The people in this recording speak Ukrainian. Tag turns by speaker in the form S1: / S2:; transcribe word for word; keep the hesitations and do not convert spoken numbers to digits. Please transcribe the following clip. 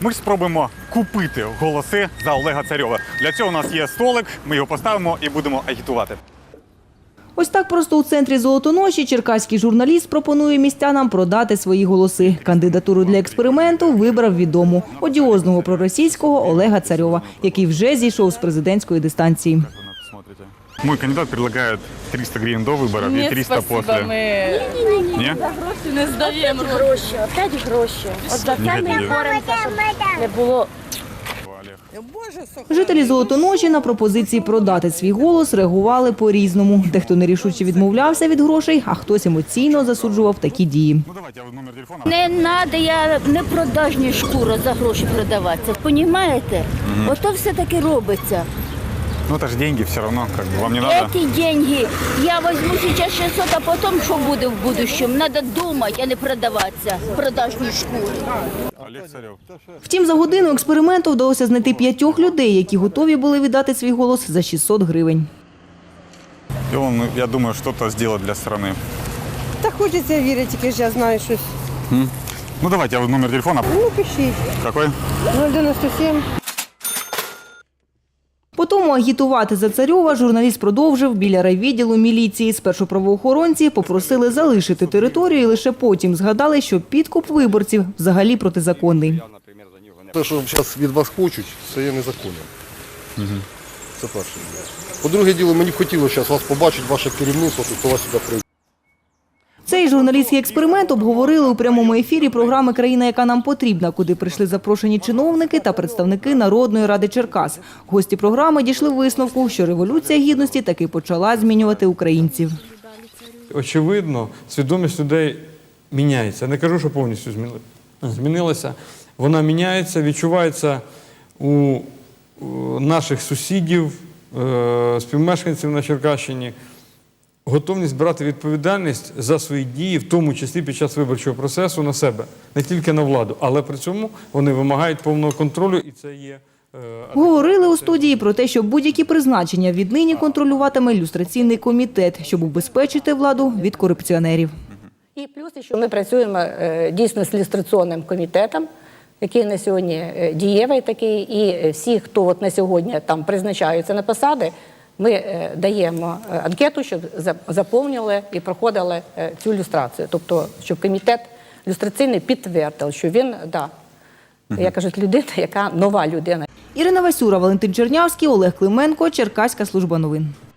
S1: ми спробуємо купити голоси за Олега Царьова. Для цього у нас є столик, ми його поставимо і будемо агітувати.
S2: Ось так просто у центрі Золотоноші черкаський журналіст пропонує містянам продати свої голоси. Кандидатуру для експерименту вибрав відому – одіозного проросійського Олега Царьова, який вже зійшов з президентської дистанції.
S1: Мой кандидат предлагает триста гривен до выборов и триста после.
S3: Ми
S1: Ні?
S3: за гроші не здаємо.
S4: Гроші, опять гроші. От за це ми боремося, щоб не було.
S2: Жителі Золотоноші на пропозиції продати свій голос реагували по-різному. Дехто нерішуче відмовлявся від грошей, а хтось емоційно засуджував такі дії.
S1: Ну давайте, я номер телефона.
S5: Не треба, я не продажні шкура за гроші продаватися. Понімаєте? Ото все таки робиться.
S1: Ну это же деньги все равно, как бы вам не надо.
S5: Ці деньги я візьму зараз шістсот, а потім що буде в будущому? Треба думати, а не продаватися. Продажні шкури.
S1: Олег Царев.
S2: Втім, за годину експерименту вдалося знайти п'ятьох людей, які готові були віддати свій голос за шістсот гривень.
S1: И он, я думаю, что-то сделать для страны.
S6: Та хочеться вірити, тільки ж я знаю щось.
S1: Ну давайте, я номер телефона.
S6: Ну, пишіть.
S1: Какой?
S6: нуль дев'яносто сім.
S2: По тому агітувати за Царьова журналіст продовжив біля райвідділу міліції. Спершу правоохоронці попросили залишити територію і лише потім згадали, що підкуп виборців взагалі протизаконний.
S7: Те, що зараз від вас хочуть, це є незаконно. Угу. Це перше. По-друге діло, мені б хотілося зараз вас побачити, ваше керівництво, хто вас сюди прийде.
S2: Цей журналістський експеримент обговорили у прямому ефірі програми «Країна, яка нам потрібна», куди прийшли запрошені чиновники та представники Народної ради Черкас. Гості програми дійшли висновку, що Революція Гідності таки почала змінювати українців.
S8: Очевидно, свідомість людей міняється. Не кажу, що повністю змінилася. Вона міняється, відчувається у наших сусідів, співмешканців на Черкащині. Готовність брати відповідальність за свої дії, в тому числі під час виборчого процесу, на себе. Не тільки на владу, але при цьому вони вимагають повного контролю, і це є...
S2: Говорили у студії про те, що будь-які призначення віднині контролюватиме люстраційний комітет, щоб убезпечити владу від корупціонерів.
S4: І плюс, що ми працюємо дійсно з люстраційним комітетом, який на сьогодні дієвий такий, і всі, хто от на сьогодні там призначаються на посади, ми даємо анкету, щоб заповнили і проходили цю люстрацію. Тобто, щоб комітет люстраційний підтвердив, що він, да, я кажу, людина, яка нова людина.
S2: Ірина Васюра, Валентин Чернявський, Олег Клименко, Черкаська служба новин.